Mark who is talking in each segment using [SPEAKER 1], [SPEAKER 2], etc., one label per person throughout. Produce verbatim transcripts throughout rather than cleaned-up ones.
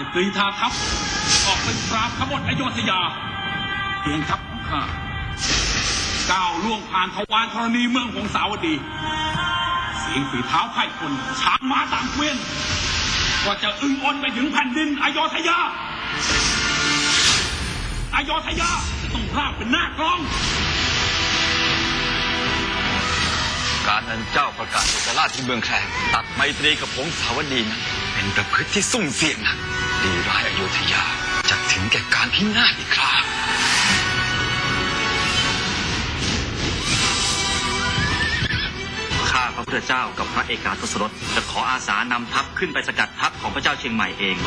[SPEAKER 1] กรีธาทัพออกเป็นปราบขบฏอโยธยาเพียงทัพของข้าก้าวล่วงผ่านทวารธรณีเมืองหงสาวดีเสียงฝีเท้าไพร่พลช้างม้าต่างเกวียนก็จะอึ้งอ่อนไปถึงแผ่นดินอโยธยาอโยธยาจะต้องราบเป็นหน้ากลอง
[SPEAKER 2] การนั้นเจ้าประกาศเอกราชที่เมืองแคลงตัดไมตรีกับหงสาวดีนั้นเป็นประพฤติที่ซุ่มเสี่ยงนักดีร้ายอโยธยาจะถึงแก่การพินาศอีกครา
[SPEAKER 3] ข้าพระพุทธเจ้ากับพระเอกาทศรถจะขออาสานำทัพขึ้นไปสกัดทัพของพระเจ้าเชียงใหม่เอง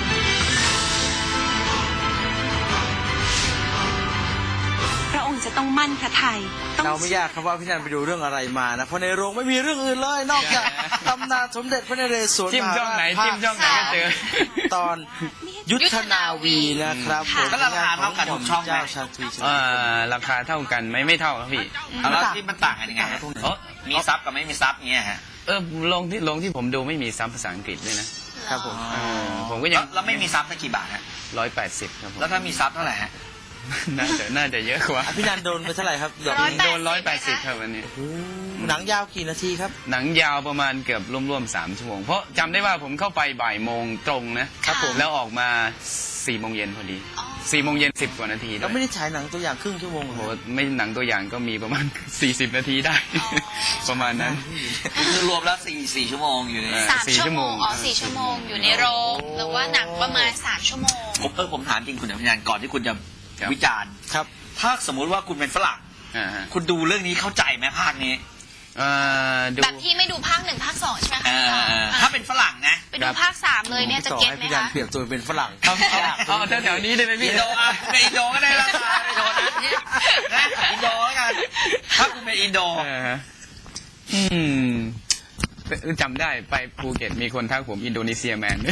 [SPEAKER 4] พระองค์จะต้องมั่นพระทัย
[SPEAKER 5] เราไม่ยากครับว่าพี่นันไปดูเรื่องอะไรมานะเพราะในโรงไม่มีเรื่องอื่นเลยนอกจากตำนานสมเด็จพระนเรศวร
[SPEAKER 6] จิ้มช่องไหนจิ้มช่องไหนก็เจอ
[SPEAKER 5] ตอนยุทธนาวีนะครับ
[SPEAKER 7] แล้วราคาเท่ากันทุกช่องไหม
[SPEAKER 6] ราคาเท่ากันไหมไม่เท่าครับพี่
[SPEAKER 7] แล้วที่มันต่างกันยังไงมีซับกับไม่มีซับเงี้ยฮะ
[SPEAKER 6] เออลงที่ลงที่ผมดูไม่มีซับภาษาอังกฤษด้วยนะครับผมผมก็ยัง
[SPEAKER 7] แล้วไม่มีซับได้กี่บาทฮะ
[SPEAKER 6] ร้อยแปดสิบครับผม
[SPEAKER 7] แล้วถ้ามีซับเท่าไหร่ฮะ
[SPEAKER 6] น่าจะน่าจะเยอะกว่า
[SPEAKER 5] พี่นันโดนไปเท่าไหร่ครับ
[SPEAKER 6] โดนร้อยแปดสิบครับวันนี้
[SPEAKER 5] หนังยาวกี่นาทีครับ
[SPEAKER 6] หนังยาวประมาณเกือบร่วมๆสามชั่วโมงเพราะจำได้ว่าผมเข้าไปบ่ายโมงตรงนะครับผมแล้วออกมาสี่โมงเย็นพอดีสี่โมงเย็นสิบกว่านาที
[SPEAKER 5] แล้วไม่ได้ฉายหนังตัวอย่างครึ่งชั่วโมง
[SPEAKER 6] โอ้โหไม่หนังตัวอย่างก็มีประมาณสี่สิบนาทีได้ประมาณนั้น
[SPEAKER 7] คือรวมแล้วสี่สี่ชั่วโมงอยู่ใน
[SPEAKER 4] สามชั่วโมงอ๋อสี่ชั่วโมงอยู่ในโรงหรือว่าหนังประมาณสามชั่วโมง
[SPEAKER 7] ผมเออผมถามจริงคุณอภิญญาก่อนที่คุณจะวิจารณ์
[SPEAKER 5] ครับ
[SPEAKER 7] ถ้าสมมุติว่าคุณเป็นฝรั่งคุณดูเรื่องนี้เข้าใจไหมภาคนี้
[SPEAKER 4] แบบที่ไม่ดูภาคหนึ่งภาคสองใช่ไหมคะ
[SPEAKER 7] ถ้าเป็นฝรั่งนะ
[SPEAKER 4] ไปดูภาคสามเลยเนี่ยจะเก็ตไหมคะ
[SPEAKER 5] เปรียบตัวเป็นฝรั่ง
[SPEAKER 6] เอาแถวๆนี้ได้ไหมพี่
[SPEAKER 7] อินโดอ่ะในอินโดก็ได้ราคาอินโดนะอินโดกันถ้าคุณเป็นอินโด
[SPEAKER 6] อืมจำได้ไปภูเก็ตมีคนทักผมอินโดนีเซียแมน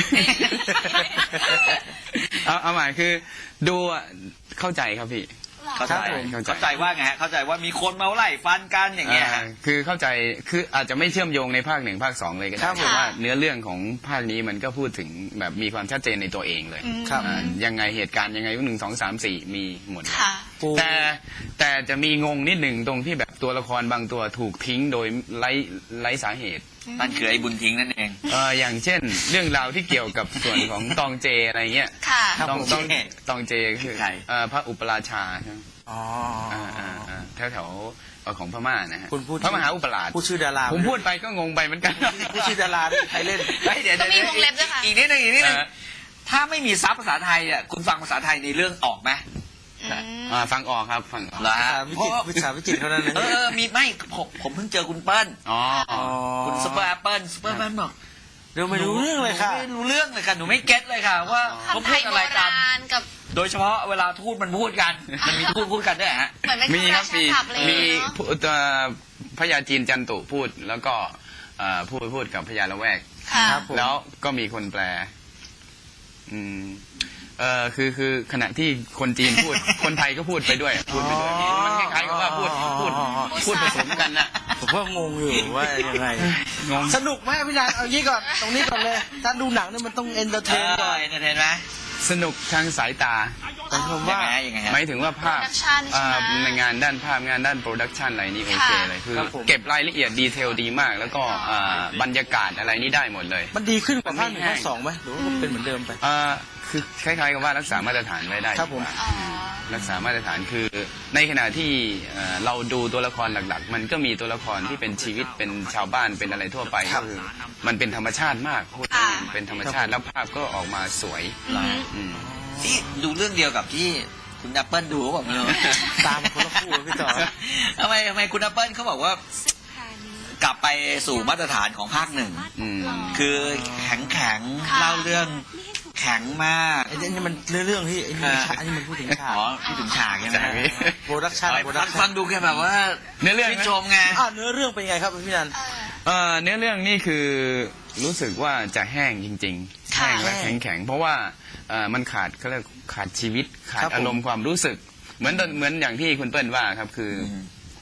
[SPEAKER 6] เอาเอาหมายคือดูเข้าใจครับพี่
[SPEAKER 7] เข้าใจเข้าใจว่าไงฮะเข้าใจว่ามีคนมาไล่ฟันกันอย่างเงี้ย
[SPEAKER 6] คือเข้าใจคืออาจจะไม่เชื่อมโยงในภาคหนึ่งภาคสองเลยก็ได้แต่ว่าเนื้อเรื่องของภาคนี้มันก็พูดถึงแบบมีความชัดเจนในตัวเองเลยยังไงเหตุการณ์ยังไงหนึ่งสองสามสี่มีหมดแต่แต่จะมีงงนิดหนึ่งตรงที่แบบตัวละครบางตัวถูกทิ้งโดยไร้ไร้สาเหตุ
[SPEAKER 7] นั่นคือไอ้บุญทิ้งนั่นเอง
[SPEAKER 6] เอออย่างเช่นเรื่องราวที่เกี่ยวกับส่วนของตองเจอะไรเงี้ยตองตองตองเจคือพระอุปราชาใช่ไหมอ๋อแถวแถวของพม่านะฮะพระมหาอุปราช
[SPEAKER 5] ผู้ชื่อดารา
[SPEAKER 6] ผมพูดไปก็งงไปเหมือนกัน
[SPEAKER 5] ผู้ชื่อดาราใครเล่น
[SPEAKER 7] เดี๋ยว
[SPEAKER 4] ต้องมีวงเล็บด้วยค่ะ
[SPEAKER 7] อีกนิดนึงอีกนิดนึงถ้าไม่มีซับภาษาไทยอ่ะคุณฟังภาษาไทยในเรื่องออกไหม
[SPEAKER 6] ฟังออกครับฟังออก
[SPEAKER 7] เหรอฮะ
[SPEAKER 5] วิชาวิจิตรเท่านั้น
[SPEAKER 7] เออมีไม่ผมผมเพิ่งเจอคุณเปิ้ลคุณซุปเปอร์แอปเปิ้ลซุปเปอร์แอปเปิ้ลบอก
[SPEAKER 5] เดี๋ยวไม่รู้เรื่องเลยค่ะ
[SPEAKER 7] ไม่รู้เรื่องเลยค่ะหนูไม่เก็ตเลยค่ะว่าเขาพูดอะไรกันโดยเฉพาะเวลาทูตมันพูดกันมันมีทูตพูดกันด้วยฮะ
[SPEAKER 6] มีครับมีมีพญาจีนจันตุพูดแล้วก็พูดพูดกับพญาละแวกแล้วก็มีคนแปลอืมเออคือคือขณะที่คนจีนพูดคนไทยก็พูดไปด้วยพูดไปด้วยมันคล้ายๆกับว่าพูดพูดพูดผสมกันนะ
[SPEAKER 5] ผมก็งงอยู่ว่ายังไงงงสนุกไหมพี่นันเอางี้ก่อนตรงนี้ก่อนเลยถ้าดูหนังนี่มันต้องเอนเตอร์เทนก่อน
[SPEAKER 7] เอนเตอร์เทนไหม
[SPEAKER 6] สนุกทางสายตา
[SPEAKER 5] แต่ผมว่า
[SPEAKER 6] หมายถึงว่าภาพในงานด้านภาพงานด้านโปรดักชันอะไรนี่โอเคเลยคือเก็บรายละเอียดดีเทลดีมากแล้วก็บรรยากาศอะไรนี่ได้หมดเลย
[SPEAKER 5] มันดีขึ้นกว่าภาคหนึ่งภาคสองไหมหรือว่าเป็นเหมือนเดิมไป
[SPEAKER 6] คือคล้ายๆกับว่ารักษามาตรฐานไว้ได้
[SPEAKER 5] ครับผม
[SPEAKER 6] รักษามาตรฐานคือในขณะที่เราดูตัวละครหลักๆมันก็มีตัวละครที่เป็นชีวิตเป็นชาวบ้านเป็นอะไรทั่วไปก็คือมันเป็นธรรมชาติมากพูดเป็นธรรมชาติแล้วภาพก็ออกมาสวย
[SPEAKER 7] ที่ดูเรื่องเดียวกับที่คุณแอปเปิลดูแบบนี้
[SPEAKER 5] ตามคนละคู่พี่ต่อ
[SPEAKER 7] ทำไมทำไมคุณแอปเปิลเขาบอกว่ากลับไปสู่มาตรฐานของภาคหนึ่งคือแข็งแข็งเล่าเรื่องแข็งมาก
[SPEAKER 5] ไอ้นี่มันเรื่องที่ไอ้นี่อันนี้มันพูดถึงฉาก
[SPEAKER 7] อ๋อพูดถึงฉากใช่ไหม
[SPEAKER 5] โปรดักชั่นโปรดักชั่น
[SPEAKER 7] ฟังดูแค่แบบว่า
[SPEAKER 6] เนื้อเรื่อง
[SPEAKER 7] ชมไง
[SPEAKER 5] อ่าเนื้อเรื่องเป็นไงครับพี่นัน
[SPEAKER 6] เอ่อเนื้อเรื่องนี่คือรู้สึกว่าจะแห้งจริงๆแห้งและแข็งแข็งเพราะว่ามันขาดเขาเรียกขาดชีวิตขาดอารมณ์ความรู้สึกเหมือนเหมือนอย่างที่คุณเปิ้ลว่าครับคือ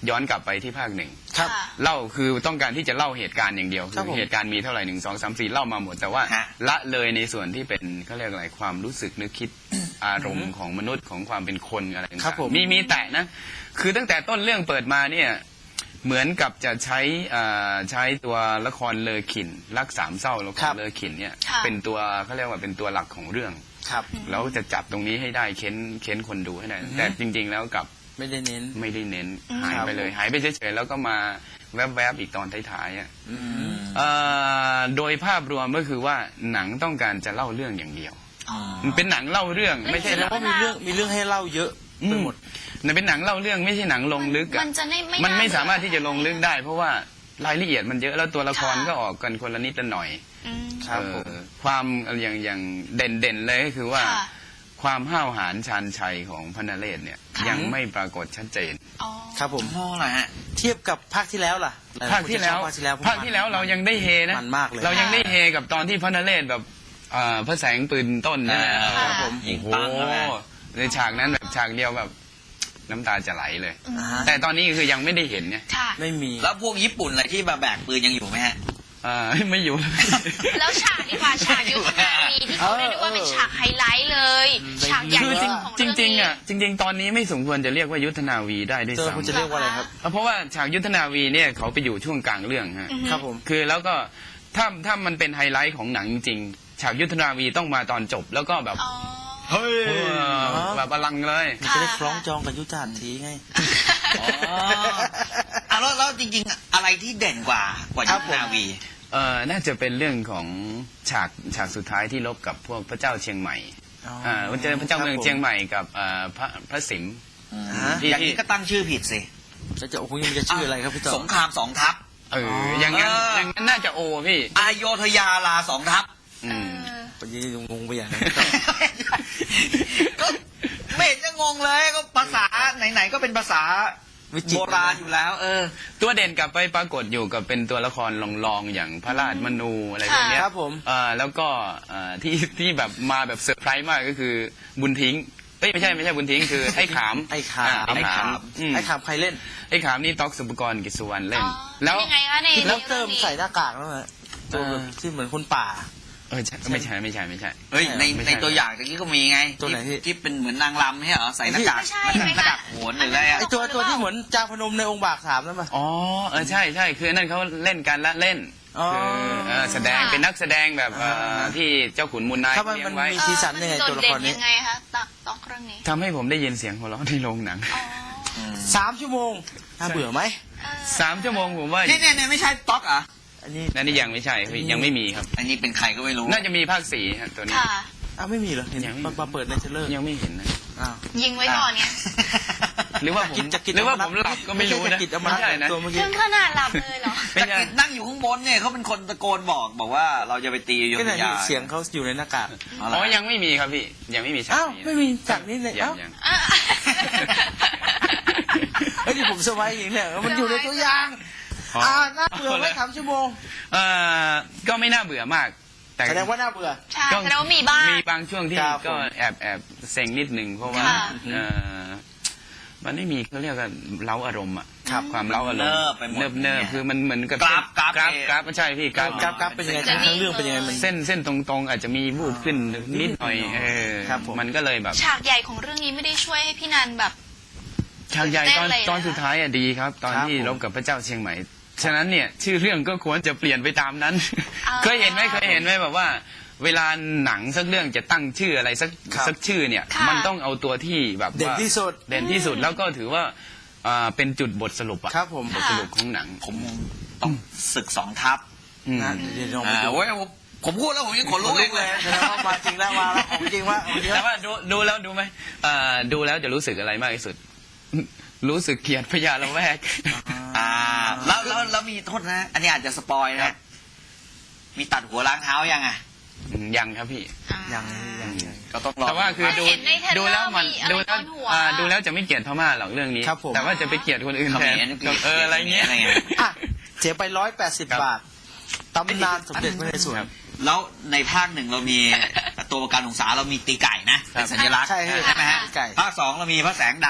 [SPEAKER 6] ย้อนกลับไปที่ภาคหนึ่ง
[SPEAKER 5] ครับ
[SPEAKER 4] ค่ะ
[SPEAKER 6] เล่าคือต้องการที่จะเล่าเหตุการณ์อย่างเดียว
[SPEAKER 5] ครับผม
[SPEAKER 6] คือเหตุการณ์มีเท่าไหร่หนึ่งสองสามสี่เล่ามาหมด แต่ว่า
[SPEAKER 7] ฮะ
[SPEAKER 6] ละเลยในส่วนที่เป็นเขาเรียกอะไรความรู้สึกนึกคิด อารมณ์ของมนุษย์ของความเป็นคนอะไรต่างๆ
[SPEAKER 5] ครับผม
[SPEAKER 6] มีมีแต่นะ คือตั้งแต่ต้นเรื่องเปิดมาเนี่ยเหมือนกับจะใช้อ่าใช้ตัวละครเลอขินรักสามเศร้าละค
[SPEAKER 5] ครั
[SPEAKER 6] ร
[SPEAKER 5] บ
[SPEAKER 6] เลอขินเนี่ย
[SPEAKER 4] ค่ะ
[SPEAKER 6] เป็นตัวเขาเรียกว่าเป็นตัวหลักของเรื่อง
[SPEAKER 5] ครับ
[SPEAKER 6] แล้วจะจับตรงนี้ให้ได้เค้นเค้นคนดูให้ได้ แต่จริง ๆ แล้วกลับ
[SPEAKER 5] ไม่ได้เน้น
[SPEAKER 6] ไม่ได้เน้น
[SPEAKER 4] อืม
[SPEAKER 6] หายไปเลย หายไปเฉยๆแล้วก็มาแวบๆอีกตอนท้ายๆอ่ะ
[SPEAKER 5] อืม
[SPEAKER 6] เอ่อโดยภาพรวมก็คือว่าหนังต้องการจะเล่าเรื่องอย่างเดียว มันเป็นหนังเล่าเรื่องไม่ใช่
[SPEAKER 5] แสดงว่ามีเรื่องมีเรื่องให้เล่าเยอะไปหมด
[SPEAKER 6] มันเป็นหนังเล่าเรื่องไม่ใช่หนังลงลึกอะ
[SPEAKER 4] มันจะไม่ไม่
[SPEAKER 6] มันไม่
[SPEAKER 4] น่าเบื่อ
[SPEAKER 6] สามารถที่จะลงลึกได้ เพราะว่ารายละเอียดมันเยอะแล้วตัวละครก็ออกกันคนละนิดละหน่อย
[SPEAKER 4] อืม
[SPEAKER 5] ครับผม
[SPEAKER 6] เออความอย่างอย่างเด่นเด่นๆเลยก็คือว่า
[SPEAKER 4] ค่ะ
[SPEAKER 6] ความห้าวหาญชาญชัยของพระนเรศเนี่ย
[SPEAKER 4] ค่ะ
[SPEAKER 6] ยังไม่ปรากฏชัดเจน
[SPEAKER 4] อ๋อ
[SPEAKER 5] ครับผม
[SPEAKER 7] โม่อะไรฮะ
[SPEAKER 5] เทียบกับภาคที่แล้วล่ะหลยๆ
[SPEAKER 6] ภาคที่แล้ว
[SPEAKER 5] นจะชอบภาคที่แล้ว
[SPEAKER 6] ภาคที่แล้วเรายังได้เฮนะ
[SPEAKER 5] มันมากเลย
[SPEAKER 6] เรายังได้เฮกับตอนที่พระนเรศแบบเอ่อพระแสงปืนต้นใช่ไหม
[SPEAKER 7] อ่า
[SPEAKER 6] ครับผม
[SPEAKER 7] ยิง
[SPEAKER 6] โอ้
[SPEAKER 7] ปัง
[SPEAKER 6] โห
[SPEAKER 7] เข้าไป
[SPEAKER 6] ในฉากนั้นแบบฉากเดียวแบบน้ำตาจะไหลเลย
[SPEAKER 5] อ่าฮะ
[SPEAKER 6] แต่ตอนนี้คือยังไม่ได้เห็นไง
[SPEAKER 4] ค่ะ
[SPEAKER 5] ไม่มี
[SPEAKER 7] แล้วพวกญี่ปุ่นอะไรที่มาแบกปืนยังอยู่ไหมฮะ
[SPEAKER 6] อ่า ไม่อยู่
[SPEAKER 4] แล้วฉากดีกว่าฉากยุทธนาวีที่เขาเรียกได้ว่าเป็นฉากไฮไลท์เลย ฉากใหญ่
[SPEAKER 6] คือ
[SPEAKER 4] ที่
[SPEAKER 6] จริ
[SPEAKER 4] สุ
[SPEAKER 6] ง
[SPEAKER 4] ดของ
[SPEAKER 6] จริ
[SPEAKER 4] เรื่อง งนี้
[SPEAKER 6] ๆอ่ะจริง ๆ ตอนนี้ไม่สมควรจะเรียกว่ายุทธนาวีได้ด้วย
[SPEAKER 5] เจอคุณจะ
[SPEAKER 6] ซ้ำ
[SPEAKER 5] เรียกว่าอะไรครับ
[SPEAKER 6] เพราะว่าฉากยุทธนาวีเนี่ยเขาไปอยู่ช่วงกลางเรื่องฮะ
[SPEAKER 4] อือฮึ
[SPEAKER 5] ครับผม
[SPEAKER 6] คือแล้วก็ถ้าถ้ามันเป็นไฮไลท์ของหนังจริงๆฉากยุทธนาวีต้องมาตอนจบ แล้วก็แบบ
[SPEAKER 4] อ๋อ
[SPEAKER 6] เฮ้ยแบบอลังเลย
[SPEAKER 5] มันจะได้คล้องจองกับยุทธหัตถีไง
[SPEAKER 7] อ๋ออ่ะแล้วแล้วจริงๆ อะไรที่เด่นกว่ากว่า
[SPEAKER 5] ครั
[SPEAKER 7] ยุ
[SPEAKER 5] บ
[SPEAKER 7] ทธ
[SPEAKER 5] ผม
[SPEAKER 7] นาวี
[SPEAKER 6] เอ่อน่าจะเป็นเรื่องของฉากฉากสุดท้ายที่ลบกับพวกพระเจ้าเชียงใหม่
[SPEAKER 5] อ๋อ
[SPEAKER 6] อ่าเจอพระเจ้าเมืองเชียงใหม่กับเอ่อพระพระสิมห์
[SPEAKER 5] ฮะ
[SPEAKER 6] ที่
[SPEAKER 7] อย่างนี้ก็ตั้งชื่อผิดสิ
[SPEAKER 5] แล้วจะโอ้โหมันจะชื่ออะไรครับพี่ต่อ
[SPEAKER 7] สงครามสองทัพ
[SPEAKER 6] เอออย่างนั้น
[SPEAKER 7] เออ
[SPEAKER 6] อ
[SPEAKER 7] อ
[SPEAKER 6] ย่างนั้นน่าจะโอพี่
[SPEAKER 7] อโยธยาลาสองทัพ
[SPEAKER 6] อืม
[SPEAKER 4] เออ
[SPEAKER 5] ปนี้งงไปอย่างนั้น
[SPEAKER 7] ก็ไม่เห็นจะงงเลยก็ภาษาไหนๆก็เป็นภาษา
[SPEAKER 5] วิจิตร
[SPEAKER 7] โบราณอยู่แล้ว เออ
[SPEAKER 6] ตัวเด่นกลับไปปรากฏอยู่กับเป็นตัวละครลองๆอย่างพระราชมนูอะไรพวกเนี้ย
[SPEAKER 5] ครับผม
[SPEAKER 6] เอ่อแล้วก็เอ่อที่ที่แบบมาแบบเซอร์ไพรส์มากก็คือบุญทิ้งเอ้ยไม่ใช่ไม่ใช่บุญทิ้งคือไอ้ขาม
[SPEAKER 5] ไอ้ขาม
[SPEAKER 6] อ่ไอ้ขาม
[SPEAKER 7] ไอ้ขาม
[SPEAKER 6] อืม
[SPEAKER 5] ไอ้ขามใครเล่น
[SPEAKER 6] ไอ้ขามนี่ต๊อกสุปกรณ์กิจสุวรรณเล่น
[SPEAKER 4] อ๋อ
[SPEAKER 6] แล้ว
[SPEAKER 4] เป็นยังไงคะใน
[SPEAKER 5] ที่
[SPEAKER 4] ใน
[SPEAKER 5] ด็อกเตอ
[SPEAKER 4] เรื่
[SPEAKER 5] ร์
[SPEAKER 4] องนี้
[SPEAKER 5] ใส่หน้ากากแล้วนะตัวแบบที่เหมือนคนป่า
[SPEAKER 6] เออใช่ไม่ใช่ไม่ใช่ไม่ใช่
[SPEAKER 7] เฮ้ยใน
[SPEAKER 6] ไม่ใช่
[SPEAKER 7] ในตัวอย่างตะกี้ก็มีไง
[SPEAKER 5] ตัวไหนพี่
[SPEAKER 7] ที่ที่เป็นเหมือนนางรำใช่เหรอใส่หน้ากาก
[SPEAKER 4] ไม่ใช่
[SPEAKER 7] ห
[SPEAKER 4] ไม่
[SPEAKER 7] น้า
[SPEAKER 4] ใช่
[SPEAKER 7] กากโหนหรืออะไรอะ
[SPEAKER 5] ไอตัวตัวที่เหมือนจาพนมในองค์บากสามนั่นปะ
[SPEAKER 6] อ๋อเออใช่ใช่คือนั่นเขาเล่นกันละเล่น
[SPEAKER 5] อ๋อ
[SPEAKER 6] คือเออแสดงเป็นนักแสดงแบบเอ่อที่เจ้าขุนมูลนาย
[SPEAKER 5] ถ้ามัน
[SPEAKER 6] เลี้ย
[SPEAKER 5] มัน
[SPEAKER 6] งไว้
[SPEAKER 5] มี สีสันยังไง
[SPEAKER 4] เออ
[SPEAKER 5] ตัวละครนี้
[SPEAKER 4] มัโดดเด่ยังไงคะตักตอกเรื่องนี้
[SPEAKER 6] ทำให้ผมได้ยินเสียงหัวเราะในโรงหนัง
[SPEAKER 4] อ๋อ
[SPEAKER 5] สามชั่วโมงน่าเบื่อไหม
[SPEAKER 4] เออ
[SPEAKER 6] สามชั่วโมงผมว่า
[SPEAKER 7] เนี่ยเนี่ยเนี่ยไม่ใช่ต๊อกเหรอ่ะ
[SPEAKER 5] อันนี้
[SPEAKER 6] นั่นนี่ยังไม่ใช่พี่ยังไม่มีครับ
[SPEAKER 7] อันนี้เป็นใครก็ไม่รู้
[SPEAKER 6] น่าจะมีภาคสี่ฮะตัวนี้
[SPEAKER 4] ค่ะ
[SPEAKER 5] อ้าวไม่มีเหรอเห็น
[SPEAKER 6] ยังไม่มี
[SPEAKER 5] มามาเปิดในเทรลเลอร์
[SPEAKER 6] ยังไม่เห็นนะ
[SPEAKER 5] อ้าว
[SPEAKER 4] ยิงไว้ก่อนไง
[SPEAKER 6] หรือว่าผม
[SPEAKER 5] จะกิน
[SPEAKER 6] หรือว่าผมหลับก็ไม่รู้
[SPEAKER 5] ใช่
[SPEAKER 6] นะ
[SPEAKER 5] จะกินเอามา
[SPEAKER 6] ไม่ใช่นะ
[SPEAKER 5] ตัวเมื่อกี้
[SPEAKER 4] ถึงขนาดหลับเลยเหรอ
[SPEAKER 6] ไม่
[SPEAKER 7] จัก
[SPEAKER 6] ใช่
[SPEAKER 7] ริดนั่งอยู่ข้างบนเนี่ยเขาเป็นคนตะโกนบอกบอกว่าเราจะไปตีอโย
[SPEAKER 5] ก็
[SPEAKER 7] ธ
[SPEAKER 5] ไหน
[SPEAKER 7] ยา
[SPEAKER 5] เสียงเขาอยู่ในหน้ากาก
[SPEAKER 7] เอา
[SPEAKER 6] อ๋อ
[SPEAKER 7] ละ
[SPEAKER 6] ยังไม่มีครับพี่ยังไม่มีฉาก
[SPEAKER 5] อ้าว
[SPEAKER 6] นี้
[SPEAKER 5] ไม่มีจากนี้เลย
[SPEAKER 6] ยั
[SPEAKER 5] เอ้าง
[SPEAKER 6] ยัง
[SPEAKER 4] อ่ะ
[SPEAKER 5] เฮ้ยนี่ผมสบายจริงเนี่ยมันอยู่ในตัวอย่าง
[SPEAKER 6] อ๋อ
[SPEAKER 5] อ่าน่าเบื่อไหมสามชั่วโมง
[SPEAKER 6] เอ่อก็ไม่น่าเบื่อมาก แต่
[SPEAKER 5] แสดงว่าน่าเบื่อ
[SPEAKER 4] ใช่
[SPEAKER 6] ก็
[SPEAKER 4] แสดงว่ามีบ้าง
[SPEAKER 6] มีบางช่วงที่
[SPEAKER 5] ครับผม
[SPEAKER 6] ก็แอบแอบเซ็งนิดนึงเพราะว่า
[SPEAKER 4] ค่ะ
[SPEAKER 6] เอ่อมันไม่มีเขาเรียกว่าเล้าอารมณ์อะ
[SPEAKER 5] ครับ
[SPEAKER 6] ความเล้าอารมณ์
[SPEAKER 7] เนิบไปหมด
[SPEAKER 6] เนิบเนิบคือมันเหมือนกับ
[SPEAKER 7] กราฟกราฟ
[SPEAKER 6] กราฟ
[SPEAKER 7] เอง
[SPEAKER 6] กราฟไม่ใช่พี่กราฟ
[SPEAKER 5] กราฟกราฟเป็นยังไงทั้งเรื่องเป็นยังไงมัน
[SPEAKER 6] เส้นเส้นตรงๆ อาจจะมีวูบขึ้นนิดหน่อยเออ
[SPEAKER 5] ครับผม
[SPEAKER 6] มันก็เลยแบบ
[SPEAKER 4] ฉากใหญ่ของเรื่องนี้ไม่ได้ช่วยให้พี่นันแบบ
[SPEAKER 6] ฉากใหญ่ตอน
[SPEAKER 4] เต้นเลยนะ
[SPEAKER 6] ตอนสุดท้ายอะดีครับ ตอน
[SPEAKER 5] ครับ
[SPEAKER 6] ที่
[SPEAKER 5] ผม
[SPEAKER 6] รบกับพระเจ้าเชียงใหม่ ฉะนั้นเนี่ยชื่อเรื่องก็ควรจะเปลี่ยนไปตามนั้น
[SPEAKER 4] อ่า
[SPEAKER 6] เคยเห็นไหมเคยเห็นไหมแบบว่า เวลาหนังสักเรื่องจะตั้งชื่ออะไรสัก
[SPEAKER 5] ครับ
[SPEAKER 6] สักชื่อเนี่ย
[SPEAKER 4] ค่ะ
[SPEAKER 6] มันต้องเอาตัวที่แบบว่า
[SPEAKER 5] เด่นที่สุด
[SPEAKER 6] เด่นที่สุดแล้วก็ถือว่าอ่าเป็นจุดบทสรุปอะ
[SPEAKER 5] ครับผม
[SPEAKER 6] บทสรุปของหนัง
[SPEAKER 7] ผมต้องศึกสองทัพ
[SPEAKER 6] อืม
[SPEAKER 5] นะเดี๋ยวลองไป
[SPEAKER 7] อ่า
[SPEAKER 5] ดู
[SPEAKER 7] เว้ยผมผมพูดแล้วผมยังขนลุก
[SPEAKER 5] ลุ
[SPEAKER 7] เอก ง
[SPEAKER 5] เล
[SPEAKER 7] เลย ย
[SPEAKER 5] แสดงว่ามาจริงแล้วมาแล้วของจริงว่าของจริง
[SPEAKER 6] แต่
[SPEAKER 5] แล้ว
[SPEAKER 6] ว่าดูดูแล้วดูไหมอ่าดูแล้วจะรู้สึกอะไรมากที่สุด รู้สึกเกลียดพญาละแวก
[SPEAKER 7] อ่าแล้วแล้วแล้วมีโทษนะ อันนี้อาจจะสปอย
[SPEAKER 6] ครั
[SPEAKER 7] นะ
[SPEAKER 6] บ
[SPEAKER 7] มีตัดหัวล้างเท้ายังอ่ะ
[SPEAKER 6] อืมยังครับพี่
[SPEAKER 5] ยังยังยัง
[SPEAKER 7] ก็ต้องรอ
[SPEAKER 6] แต่ว่าคือดู
[SPEAKER 4] เห็นในเทรลเลอร์
[SPEAKER 6] ดูแล้วมัน
[SPEAKER 4] มีอะไร
[SPEAKER 6] ดูแล้ว
[SPEAKER 4] โดนหัว
[SPEAKER 6] อ่าดูแล้วจะไม่เกลียดพม่าหรอกเรื่องนี้
[SPEAKER 5] ครับผม
[SPEAKER 6] แต่ว่าจะไปเกลียดคนอื่น
[SPEAKER 7] เข
[SPEAKER 6] แท
[SPEAKER 7] ม
[SPEAKER 6] น
[SPEAKER 7] ร
[SPEAKER 6] เอออะไรเงี้ย
[SPEAKER 7] อะไรเงี้ย
[SPEAKER 5] อ่ะเสียไปร้อยแปดสิบ
[SPEAKER 6] ครับ
[SPEAKER 5] บาทตำนานสมเด็จพระนเรศวร
[SPEAKER 7] แล้วในภาคหนึ่งเรามี ตัวประกันของสาเรามีตีไก่นะเป็นสัญลักษณ์
[SPEAKER 5] ใช่
[SPEAKER 7] ใช่ไหมฮะ
[SPEAKER 5] ตีไก่
[SPEAKER 7] ภาคสองเรามีพระแสงดาบ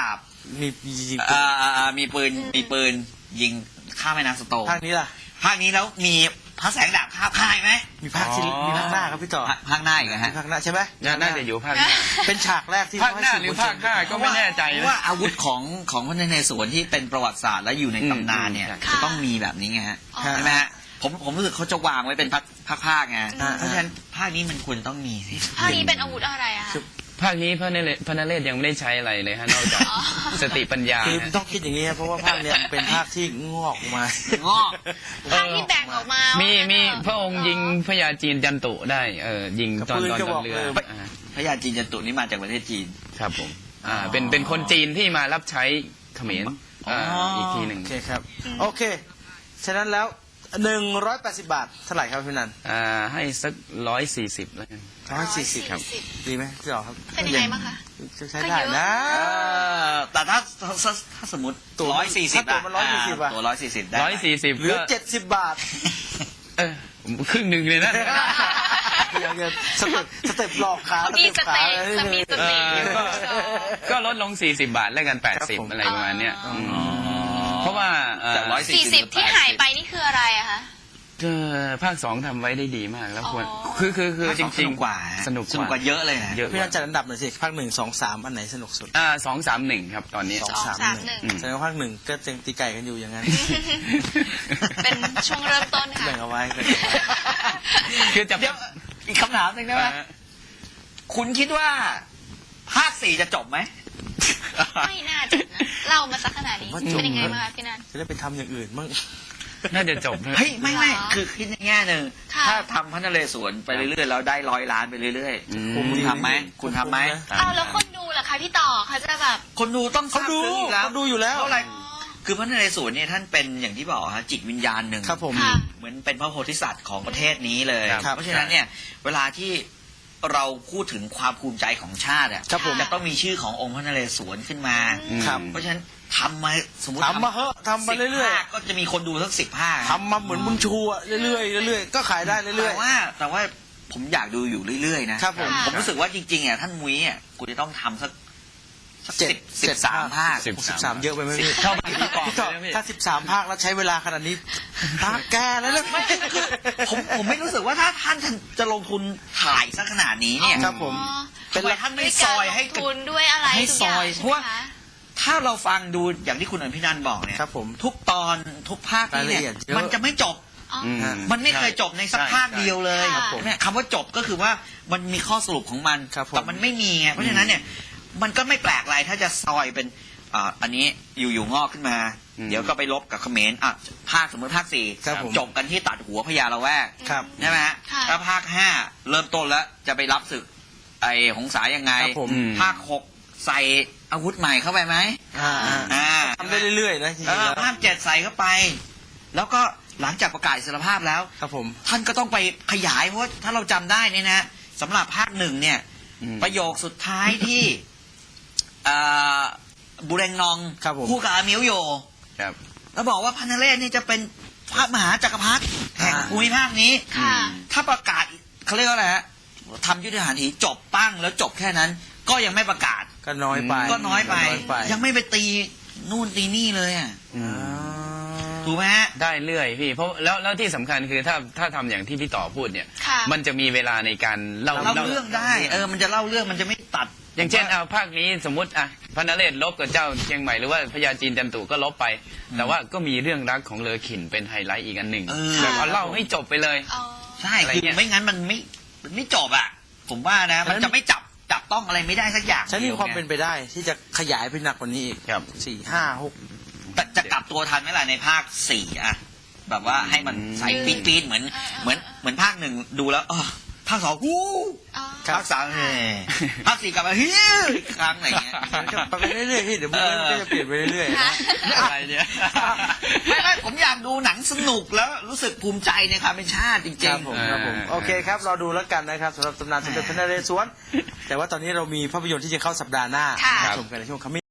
[SPEAKER 5] มีมียิง
[SPEAKER 7] อ่าอ่าอ่ามีปืนมีปืนยิงข้ามแม่น้ำสโตง
[SPEAKER 5] ภาคนี้ล่ะ
[SPEAKER 7] ภาคนี้แล้วมีพระแสงดาบคาบค่ายไหม
[SPEAKER 5] มีภาคที่มีภาคหน้าครับพี่ต่อ
[SPEAKER 7] ภาคภาคหน้าอีกนะ
[SPEAKER 5] มี
[SPEAKER 7] ฮะ
[SPEAKER 5] ภาคหน้าใช่ไหม
[SPEAKER 6] น่าจะอยู่ภาคหน้า
[SPEAKER 5] เป็นฉากแรกที่
[SPEAKER 6] ภาคหน้าหรือภาคห้าก็ไม่แน่ใจ
[SPEAKER 7] เพราะ
[SPEAKER 6] นะ
[SPEAKER 7] ว่าอาวุธของของพระนเรศวรที่เป็นประวัติศาสตร์และอยู่ในตำนานเนี่ย
[SPEAKER 6] อืม
[SPEAKER 7] จะต้องมีแบบนี้ไงฮะ
[SPEAKER 4] อ๋อ
[SPEAKER 7] ใช่ไหมฮะผมผมรู้สึกเขาจะวางไว้เป็นภาคภาคภาคไงเพราะฉะนั้นภาคนี้มันควรจะต้องมีสิ
[SPEAKER 4] ภาคนี้เป็นอาวุธอะไรอะคะ
[SPEAKER 6] ภาคนี้พระนเรศพระนเรศยังไม่ได้ใช้อะไรเลยฮะนอกจากสติปัญญา
[SPEAKER 5] คือ
[SPEAKER 6] ฮะ
[SPEAKER 5] ต้องคิดอย่างนี้ครับเพราะว่าภาคเนี้ยมันเป็นภาคที่งอกออกมา
[SPEAKER 7] งอก
[SPEAKER 4] ภาคที่แบ่งออกมา
[SPEAKER 6] มี
[SPEAKER 4] มี
[SPEAKER 6] มีพระองค์ยิงพญาจีนจันตุได้เออยิงตอน
[SPEAKER 5] กับปืน
[SPEAKER 6] ตอน
[SPEAKER 5] กระ
[SPEAKER 6] ต
[SPEAKER 5] บ
[SPEAKER 6] อ
[SPEAKER 5] อน ก
[SPEAKER 6] เรือ
[SPEAKER 5] เลย
[SPEAKER 6] อ่า
[SPEAKER 7] พระยาจีนจันตุนี่มาจากประเทศจีน
[SPEAKER 6] ครับผมอ่าเป็นเป็นคนจีนที่มารับใช้เขมรอ่า
[SPEAKER 7] อ๋ออี
[SPEAKER 6] อีกทีหนึ่ง
[SPEAKER 5] โอเคครับ โอเค ฉะนั้นแล้วหนึ่งร้อยแปดสิบบาทเท่าไหร่ครับพี่นัน
[SPEAKER 6] อ่าให้สักร้อยสี่สิบแล้วกัน
[SPEAKER 5] ร้อยสี่สิบ
[SPEAKER 6] ครับ
[SPEAKER 5] ดีไหมพี่ต่อครับ
[SPEAKER 4] เป็นยังไงบ้างคะ
[SPEAKER 5] จะใช้ได้นะ
[SPEAKER 7] เออแต่ถ้าถ้าถ้าสมมติ
[SPEAKER 5] ตั๋ว
[SPEAKER 7] ร้อยสี่สิบ
[SPEAKER 5] ถ้าตั๋วมันร้อยสี่สิบอะ
[SPEAKER 7] ตัวร้อยสี่สิบได้
[SPEAKER 6] ร้อยสี่สิบ
[SPEAKER 5] หรือ
[SPEAKER 6] ก็
[SPEAKER 5] เจ็ดสิบบาท
[SPEAKER 6] เออผมครึ่งหนึ่งเลยนะ
[SPEAKER 5] เดี๋ยวเดี๋ยวสเต็ปสเต็ปหลอกขา
[SPEAKER 4] เขามีส
[SPEAKER 5] ขา
[SPEAKER 4] เต
[SPEAKER 5] อะไร
[SPEAKER 4] ส
[SPEAKER 5] นี่
[SPEAKER 4] มีส
[SPEAKER 6] เอ
[SPEAKER 4] เต
[SPEAKER 6] อก็ก็ลดลงสี่สิบบาทแล้วกันแปด
[SPEAKER 5] ครับ
[SPEAKER 6] สิบ
[SPEAKER 5] ผม
[SPEAKER 6] อะไรประมาณเนี้ยมเพราะว่าเอ่อ
[SPEAKER 7] จากร้อย
[SPEAKER 4] สี่สิบที่หายไปนี่คืออะไรอะคะ
[SPEAKER 6] เออภาคสองทำไว้ได้ดีมากแล้วควร
[SPEAKER 4] อ๋อ
[SPEAKER 6] คือคือคือจ
[SPEAKER 7] ส
[SPEAKER 6] ริง
[SPEAKER 7] นุกกว่า
[SPEAKER 5] ๆ
[SPEAKER 6] สนุก
[SPEAKER 7] สนุกกว่าเยอะเลยนะ
[SPEAKER 6] เยอะ
[SPEAKER 5] พี่นันจัดอันดับหน่อยสิภาคหนึ่งสองสามอันไหนสนุกสุด
[SPEAKER 6] อ่าสองสามหนึ่งครับตอนนี้
[SPEAKER 5] สองสามหนึ่ง
[SPEAKER 6] อืม
[SPEAKER 5] แสดงว่าภาคหนึ่งก็ยังตีไก่กันอยู่อย่างนั้น
[SPEAKER 4] เป็นช่วงเริ่มต้นค่ะ
[SPEAKER 5] แบ่งเอาไว้แบ่งเอาไว้
[SPEAKER 6] คือจะ
[SPEAKER 7] เดี๋ยวอีกคำถามหนึ่งได้ไหม
[SPEAKER 6] เอ่อ
[SPEAKER 7] คุณคิดว่าภาคสี่จะจบไหม
[SPEAKER 4] ไม่น่าจะนะเล่ามาสักขนาดนี้
[SPEAKER 5] ผมว่าจบ
[SPEAKER 4] เป็นยังไงบ้างคะพี่นัน
[SPEAKER 5] จะได้ไปทำอย่างอื่นบ้าง
[SPEAKER 6] น่าจะจบนะ
[SPEAKER 7] เฮ้ยไม่ไม่
[SPEAKER 4] เหรอ
[SPEAKER 7] คือคิดในแง่หนึ่ง
[SPEAKER 4] ค่ะ
[SPEAKER 7] ถ้าทำพระนเรศวรไปเรื่อยๆแล้วได้ร้อยล้านไปเรื่อย
[SPEAKER 6] อืม
[SPEAKER 7] ๆคุณทำไหมคุณทำไหม
[SPEAKER 4] เอาแล้วคนดูล่ะคะพี่ต่อเขาจะแบบ
[SPEAKER 7] คนดูต้อง
[SPEAKER 5] เขาดู
[SPEAKER 7] ทรบซึ้งอยู่แล้ว
[SPEAKER 5] เขาดูอยู่แล้ว
[SPEAKER 7] เพราะอะไรคือพระนเรศวรเนี่ยท่านเป็นอย่างที่บอกฮะจิตวิญญาณหนึ่ง
[SPEAKER 5] ครับผม
[SPEAKER 4] ค่ะ
[SPEAKER 7] เหมือนเป็นพระโพธิสัตว์ของประเทศนี้เลย
[SPEAKER 5] ครับ
[SPEAKER 7] เพราะฉะนั้นเนี่ยเวลาที่เราพูดถึงความภูมิใจของชาติอะ
[SPEAKER 5] ครับผม
[SPEAKER 7] จะต้องมีชื่อขององค์พระนเรศวรขึ้นมา
[SPEAKER 5] ครับ
[SPEAKER 7] เพราะฉะนั้นทำมาสมมติ
[SPEAKER 5] ทำมาเหอะทำมาเรื่อยๆ
[SPEAKER 7] สิบภาคก็จะมีคนดูสักสิบภาค
[SPEAKER 5] ทำมาเหมือนบุญชูอะเรื่อยๆเรื่อยๆก็ขายได้เรื่อ
[SPEAKER 7] แต่
[SPEAKER 5] ย
[SPEAKER 7] ว่าแต่ว่าผมอยากดูอยู่เรื่อยๆนะครับ
[SPEAKER 5] ผม
[SPEAKER 7] ผมรู้สึกว่าจริงๆอ่ะท่านมุ้ยอ่ะกูจะต้องทำสักสัก
[SPEAKER 5] เจ็ด
[SPEAKER 7] สิบสิบสามภาค
[SPEAKER 6] สิบ
[SPEAKER 5] ๆสิบสามเยอะไปไหมพี่
[SPEAKER 6] เท่าไปที่กอง
[SPEAKER 5] พี่ต่อ
[SPEAKER 6] เลยนะพี่
[SPEAKER 5] ถ้าสิบสามภาคแล้วใช้เวลาขนาดนี้ตาแกแล้วนะ
[SPEAKER 7] ผมผมไม่รู้สึกว่าถ้าท่านจะลงทุนถ่ายสักขนาดนี้เนี่ย
[SPEAKER 5] ครับผม
[SPEAKER 4] อ๋อ
[SPEAKER 7] ทำไมท่านไม่ซอยให้
[SPEAKER 4] ด้วยการลงทุนด้วยอะไร
[SPEAKER 7] ให้
[SPEAKER 4] ทุกอย่าง
[SPEAKER 7] ซอย
[SPEAKER 4] ใช่
[SPEAKER 7] เพราะ
[SPEAKER 4] ไหม
[SPEAKER 7] ว่า
[SPEAKER 4] คะ
[SPEAKER 7] ถ้าเราฟังดูอย่างที่คุณอภินันท์บอกเนี่ย
[SPEAKER 5] ครับผม
[SPEAKER 7] ทุกตอนทุกภาคนี่
[SPEAKER 5] รายละเอี
[SPEAKER 7] เนี่ย ย
[SPEAKER 5] ดเยอะ
[SPEAKER 7] มันจะไม่จบ
[SPEAKER 4] อ๋อ
[SPEAKER 6] อืม
[SPEAKER 7] มันไม่เคยจบในสัก
[SPEAKER 6] ใช่
[SPEAKER 7] ภาคเดียวเลย
[SPEAKER 4] ครับผม
[SPEAKER 7] เนี่ยคำว่าจบก็คือว่ามันมีข้อสรุปของมัน
[SPEAKER 5] ครับผม
[SPEAKER 7] แต่มันไม่มีไงเพราะฉะนั้นเนี่ยมันก็ไม่แปลกอะไรถ้าจะซอยเป็นอ่าอันนี้อยู่ๆงอกขึ้นมา
[SPEAKER 6] อืม
[SPEAKER 7] เดี๋ยวก็ไปลบกับเขมรอ่ะภาคสมมติภาคสี่
[SPEAKER 5] ครับผม
[SPEAKER 7] จบกันที่ตัดหัวพญาละแวก
[SPEAKER 5] ครับ
[SPEAKER 7] ใช่ไหมฮะ
[SPEAKER 4] ค่ะ
[SPEAKER 7] แล้วภาคห้าเริ่มต้นแล้วจะไปรับศึกไอ้หงสายังไง
[SPEAKER 5] ครับผม
[SPEAKER 6] อืม
[SPEAKER 7] ภาคหกใส่อาวุธใหม่เข้าไปไหม
[SPEAKER 5] อ่า
[SPEAKER 7] อ่า
[SPEAKER 5] ทำได้เรื่อยๆนะจริง
[SPEAKER 7] เอ
[SPEAKER 5] ๆ
[SPEAKER 7] อ
[SPEAKER 5] แล้ว
[SPEAKER 7] ภาคเจ็ดใส่เข้าไป แล้วก็หลังจากประกาศอิสรภาพแล้ว
[SPEAKER 5] ครับผม
[SPEAKER 7] ท่านก็ต้องไปขยายเพราะว่าถ้าเราจำได้เนี่ยนะสำหรับภาคหนึ่งเนี่ย
[SPEAKER 6] อืม
[SPEAKER 7] ประโยคสุดท้ายที่อ่าบุเรงนอง
[SPEAKER 5] ครับผม
[SPEAKER 7] คู่กับอามิวโย
[SPEAKER 6] ครับ
[SPEAKER 7] แล้วบอกว่าพันนเรศนี่จะเป็นพระมหาจักรพรรดิแห่ง
[SPEAKER 5] อ่า
[SPEAKER 7] ภูมิภาคนี้
[SPEAKER 4] ค่ะ
[SPEAKER 7] ถ้าประกาศเขาเรียกว่าอะไรฮะทำยุทธหันถีจบปั้งแล้วจบแค่นั้น ก็ยังไม่ประกาศ
[SPEAKER 5] ก็น้อยไป
[SPEAKER 7] ก็น้อยไป
[SPEAKER 5] ไป
[SPEAKER 7] ยังไม่ไปตีนู่นตีนี่เลยอ่ะ
[SPEAKER 6] อืม
[SPEAKER 7] ถูกไหมฮะ
[SPEAKER 6] ได้เรื่อยพี่เพราะแล้วแล้วที่สำคัญคือถ้าถ้าทำอย่างที่พี่ต่อพูดเนี่ย
[SPEAKER 4] ค่ะ
[SPEAKER 6] มันจะมีเวลาในการเล่า
[SPEAKER 7] เล่าเรื่องได้ เออมันจะเล่าเรื่องมันจะไม่ตัด
[SPEAKER 6] อย่างเช่นเอาภาคนี้สมมติอ่ะพระนเรศลบกับเจ้าเชียงใหม่หรือว่าพญาจีนจันตุก็ลบไป แต่ว่าก็มีเรื่องรักของเลอขินเป็นไฮไลท์อีกอันหนึ่ง
[SPEAKER 7] เออ
[SPEAKER 6] แบบเอาเล่าให้จบไปเลย
[SPEAKER 4] อ๋อ
[SPEAKER 7] ใช่
[SPEAKER 6] อะไร
[SPEAKER 7] คือ
[SPEAKER 6] เงี้ย
[SPEAKER 7] ไม่งั้นมันไม่มันไม่จบอ่ะ ผมว่านะ มันจะไม่จับจับต้องอะไรไม่ได้สักอย่าง
[SPEAKER 5] ฉันมีความ
[SPEAKER 7] ดีย
[SPEAKER 5] เป็นไปได้ที่จะขยายไปหนักกว่านี้อีก
[SPEAKER 6] ครับ
[SPEAKER 5] สี่ห้าหก
[SPEAKER 7] แต่จะกลับตัวทันไหมล่ะในภาคสี่อะแบบว่าให้มันใส่ปี๊ดปี๊ดเหมือน
[SPEAKER 4] เออเออ
[SPEAKER 7] เหมือนเหมือนภาคหนึ่งดูแล้วอ๋อภาคสองวู้
[SPEAKER 4] อ๋อ
[SPEAKER 7] ภาคสามเฮ้ภาคสี่กลับมาเฮ้ยอีกครั้งอะไรเงี้ย
[SPEAKER 5] มันก็ไปเรื่อยๆพี่เดี๋ยวมันก็จะเปลี่ยนไปเรื่อยๆนะ
[SPEAKER 6] อะไรเนี่ย
[SPEAKER 7] ไม่ไม่ผมอยากดูหนังสนุกแล้วรู้สึกภูมิใจในความเป็นชาติจริ
[SPEAKER 5] ครั
[SPEAKER 7] ง
[SPEAKER 5] บผม
[SPEAKER 6] อ่า
[SPEAKER 5] ครับผมโอเคครับรอดูแล้วกันนะครับสำหรับตำนานสมเด็จพระนเรศวรแต่ว่าตอนนี้เรามีภาพยนตร์ที่จะเข้าสัปดาห์หน้า
[SPEAKER 4] ค่ะ
[SPEAKER 5] มาชมกันในช่วงคัมมิ่ง